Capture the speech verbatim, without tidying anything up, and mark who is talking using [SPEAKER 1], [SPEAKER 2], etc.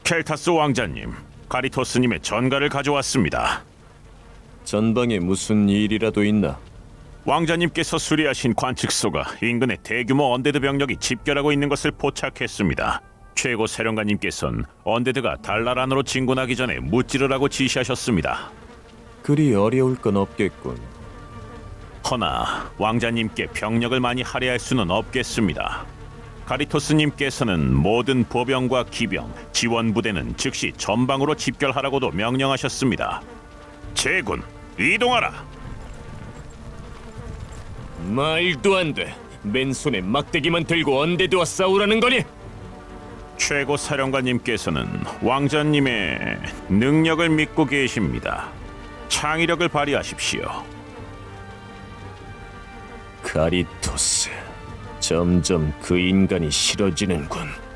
[SPEAKER 1] 켈타스 왕자님, 가리토스님의 전가를 가져왔습니다.
[SPEAKER 2] 전방에 무슨 일이라도 있나?
[SPEAKER 1] 왕자님께서 수리하신 관측소가 인근에 대규모 언데드 병력이 집결하고 있는 것을 포착했습니다. 최고 사령관님께서는 언데드가 달날 안으로 진군하기 전에 무찌르라고 지시하셨습니다.
[SPEAKER 2] 그리 어려울 건 없겠군.
[SPEAKER 1] 허나 왕자님께 병력을 많이 할애할 수는 없겠습니다. 가리토스님께서는 모든 보병과 기병, 지원 부대는 즉시 전방으로 집결하라고도 명령하셨습니다. 제군, 이동하라!
[SPEAKER 2] 말도 안 돼. 맨손에 막대기만 들고 언데드와 싸우라는 거니?
[SPEAKER 1] 최고 사령관님께서는 왕자님의 능력을 믿고 계십니다. 창의력을 발휘하십시오.
[SPEAKER 2] 가리토스, 점점 그 인간이 싫어지는군.